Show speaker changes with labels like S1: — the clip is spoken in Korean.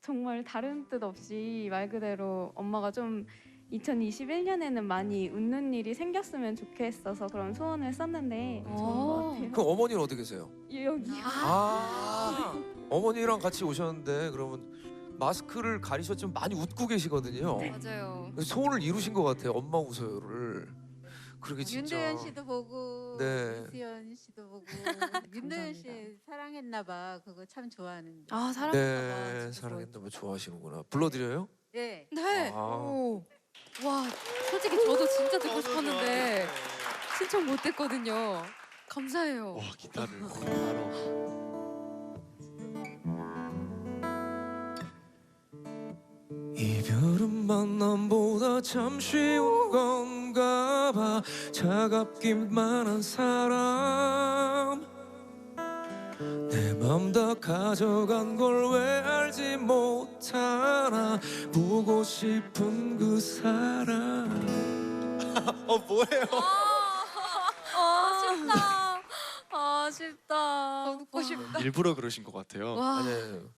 S1: 정말 다른 뜻 없이 말 그대로 엄마가 좀 2021년에는 많이 웃는 일이 생겼으면 좋겠어서 그런 소원을 썼는데 좋은 것 같아요.
S2: 그럼 어머니는 어디 계세요?
S1: 여기요.
S2: 어머니랑 같이 오셨는데 그러면 마스크를 가리셨지만 많이 웃고 계시거든요.
S3: 맞아요.
S2: 그래서 소원을 이루신 것 같아요. 엄마 웃어요를. 그러게 진짜.
S4: 윤도현 씨도 보고
S2: 네.
S4: 이수연 씨도 보고 윤도현 씨 사랑했나 봐. 그거 참 좋아하는데.
S3: 아 사랑.
S2: 네, 사랑했다면 좋아하시는구나. 불러드려요?
S4: 네.
S3: 네.
S2: 아.
S3: 오. 와 솔직히 저도 진짜 듣고 싶었는데 신청 못했거든요. 감사해요.
S5: 와 기타를 바로.
S2: 이별은 만남보다 참 쉬운 건가 봐. 차갑기만 한 사람 내 맘 다 가져간 걸 왜 알지 못하나. 보고 싶은 그 사람.
S5: 뭐예요?
S3: 아쉽다. 아쉽다.
S4: 듣고 싶다.
S5: 일부러 그러신 것 같아요.
S3: 와.
S2: 아니에요.